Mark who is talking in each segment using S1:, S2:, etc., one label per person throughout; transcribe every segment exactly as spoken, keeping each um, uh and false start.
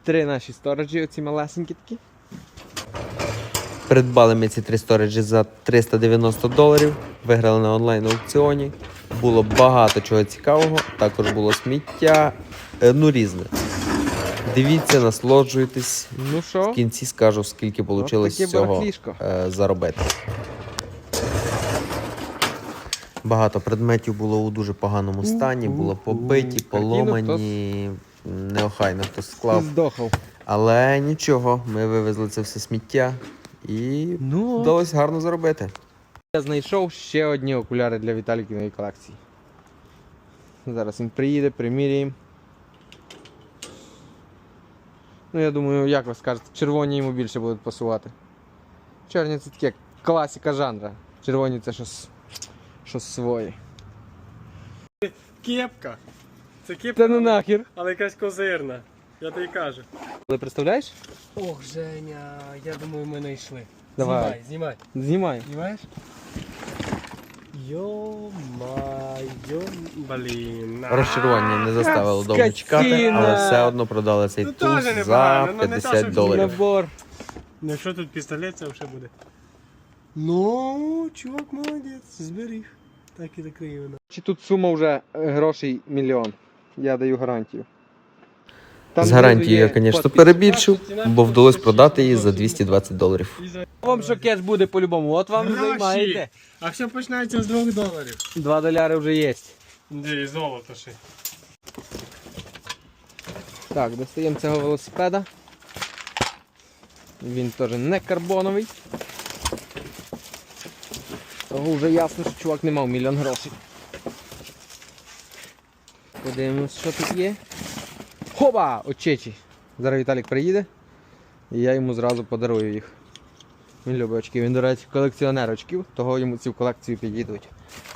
S1: Три наші сториджі, оці малесенькі такі. Придбали ми ці три сториджі за триста дев'яносто доларів. Виграли на онлайн-аукціоні. Було багато чого цікавого. Також було сміття. Ну, різне. Дивіться, насолоджуйтесь. Ну що? В кінці скажу, скільки вийшло з цього е, заробити. Багато предметів було у дуже поганому стані. Було побиті, поломані. Неохайно хтось склав. Але нічого, ми вивезли це все сміття і ну, вдалося гарно заробити. Я знайшов ще одні окуляри для Віталікіної колекції. Зараз він приїде, приміряємо. Ну, я думаю, як ви скажете, червоні йому більше будуть пасувати. Чорні це таке класика жанра. Червоні це щось, щось своє.
S2: Кепка. Це кепка,
S1: Та ну нахер.
S2: але якась козирна. Я тобі кажу.
S1: Ви представляєш?
S2: Ох, Женя, я думаю, ми знайшли.
S1: Давай.
S2: Знімай, знімай.
S1: Знімай.
S2: Знімаєш? Йо-майо, блін.
S1: Розчарування не заставило довго чекати, але все одно продали цей
S2: Ну,
S1: туз
S2: теж
S1: за
S2: непогано, ну, не
S1: п'ятдесят
S2: те, що
S1: доларів. Набор.
S2: Ну, якщо тут пістолет, це вже буде. Ну, чувак молодець, зберіг. Так і такий воно.
S1: Чи тут сума вже е, грошей мільйон? Я даю гарантію. Там
S3: З гарантією я,
S1: знизу є
S3: звісно,
S1: подпис.
S3: перебільшив, бо вдалося продати її за двісті двадцять доларів.
S1: Вам що кеш буде по-любому, от вам і займаєте.
S2: А все починається з двох доларів.
S1: Два доляри вже є.
S2: Де і золото ще.
S1: Так, достаємо цього велосипеда. Він теж не карбоновий. Того вже ясно, що чувак не мав мільйон грошей. Подивимось, що тут є. Хоба! Очечі! Зараз Віталік приїде і я йому зразу подарую їх. Він любить очки. Він, до речі, колекціонер очків, того йому ці в колекцію підійдуть.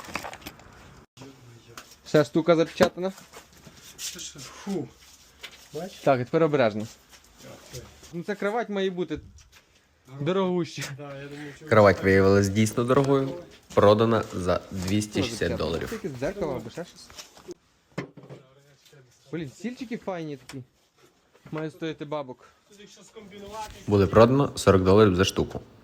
S1: Ще штука запечатана.
S2: Фу. Бачиш?
S1: Так, і тепер обережно. Ну, ця кровать має бути дорогуща.
S2: Да, я думаю, що...
S3: Кровать виявилась дійсно дорогою, продана за двісті шістдесят доларів.
S1: Тільки з дзеркала або ще щось. Блін, стільчики файні такі. Має стояти бабок.
S3: Буде продано сорок доларів за штуку.